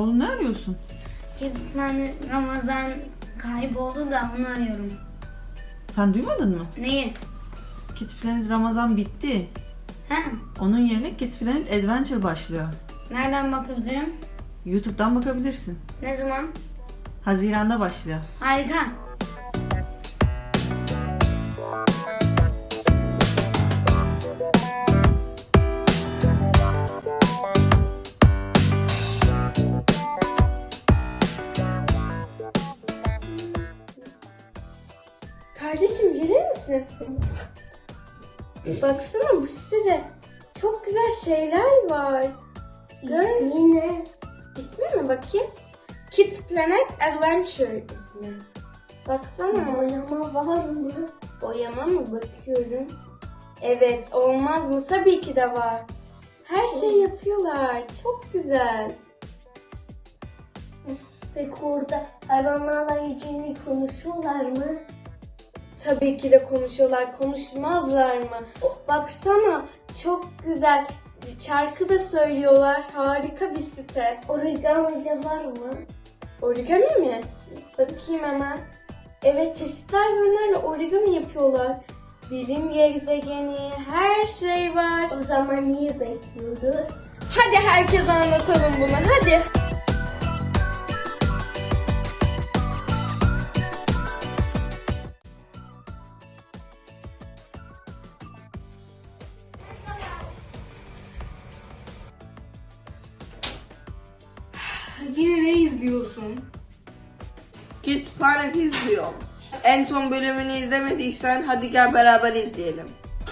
Oğlum ne arıyorsun? Kids Planet Ramazan kayboldu da onu arıyorum. Sen duymadın mı? Neyi? Kids Planet Ramazan bitti. Ha? Onun yerine Kids Planet Adventure başlıyor. Nereden bakabilirim? YouTube'dan bakabilirsin. Ne zaman? Haziran'da başlıyor. Harika. Kardeşim gelir misin? Baksana bu sitede çok güzel şeyler var. İsmi ne? İsmi mi bakayım? Kids Planet Adventure ismi. Baksana. Boyama var mı? Boyama mı? Bakıyorum. Evet, olmaz mı? Tabii ki de var. Her şey yapıyorlar. Çok güzel. Peki orada hayvanlarla ilgili konuşuyorlar mı? Tabii ki de konuşuyorlar. Konuşmazlar mı? Baksana çok güzel. Şarkı da söylüyorlar. Harika bir site. Origami de var mı? Origami mi? Bakayım hemen. Evet, çeşitli hayvanlarla origami yapıyorlar. Bilim gezegeni, her şey var. O zaman niye bekliyoruz? Hadi herkese anlatalım bunu. Hadi. Yine ne izliyorsun? Kids Planet izliyor. En son bölümünü izlemediysen hadi gel beraber izleyelim.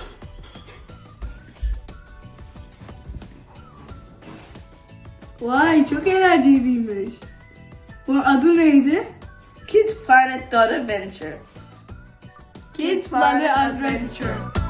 Vay çok eğlenceliymiş. Bunun adı neydi? Kids Planet Adventure. Kids Planet Adventure.